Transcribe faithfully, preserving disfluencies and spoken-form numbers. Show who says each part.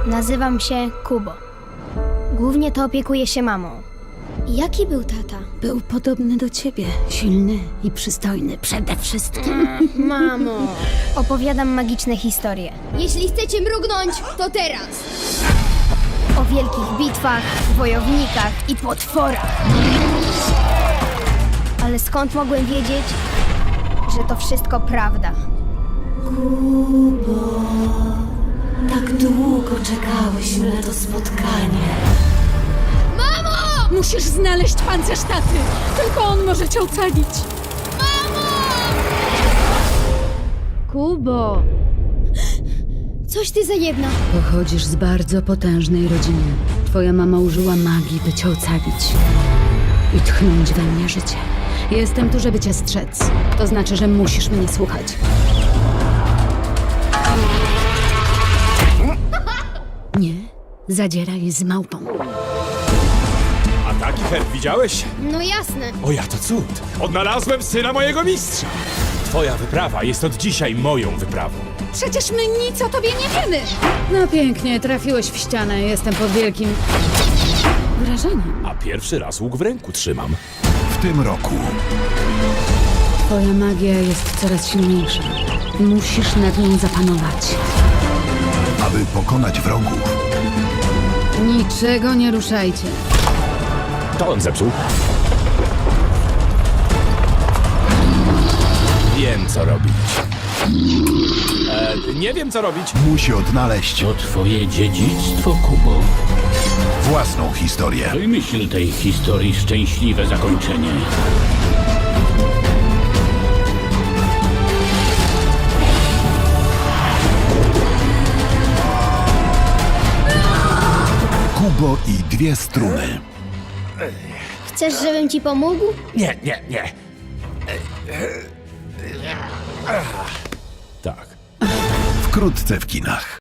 Speaker 1: Nazywam się Kubo. Głównie to opiekuję się mamą. Jaki był tata?
Speaker 2: Był podobny do ciebie. Silny i przystojny przede wszystkim.
Speaker 1: Mamo! Opowiadam magiczne historie.
Speaker 3: Jeśli chcecie mrugnąć, to teraz.
Speaker 1: O wielkich bitwach, wojownikach i potworach. Ale skąd mogłem wiedzieć, że to wszystko prawda?
Speaker 2: Tak długo czekałyśmy na to spotkanie.
Speaker 3: Mamo!
Speaker 2: Musisz znaleźć pancerz taty. Tylko on może cię ocalić.
Speaker 1: Kubo!
Speaker 3: Coś ty za jedna.
Speaker 2: Pochodzisz z bardzo potężnej rodziny. Twoja mama użyła magii, by cię ocalić. I tchnąć we mnie życie. Jestem tu, żeby cię strzec. To znaczy, że musisz mnie słuchać. Nie, zadzieraj z małpą.
Speaker 4: A taki herb widziałeś?
Speaker 3: No jasne.
Speaker 4: O ja to cud! Odnalazłem syna mojego mistrza! Twoja wyprawa jest od dzisiaj moją wyprawą.
Speaker 2: Przecież my nic o tobie nie wiemy! No pięknie, trafiłeś w ścianę. Jestem pod wielkim wrażeniem.
Speaker 4: A pierwszy raz łuk w ręku trzymam.
Speaker 5: W tym roku
Speaker 2: Twoja magia jest coraz silniejsza. Musisz nad nią zapanować.
Speaker 5: aby pokonać wrogów,
Speaker 2: Niczego nie ruszajcie.
Speaker 4: To on zepsuł. Wiem, co robić. E, nie wiem, co robić.
Speaker 5: musi odnaleźć
Speaker 6: To twoje dziedzictwo, Kubo.
Speaker 5: własną historię.
Speaker 6: Wymyśl tej historii szczęśliwe zakończenie.
Speaker 5: Kubo i dwie struny.
Speaker 3: Chcesz, żebym ci pomógł?
Speaker 4: Nie, nie, nie. Tak.
Speaker 5: Wkrótce w kinach.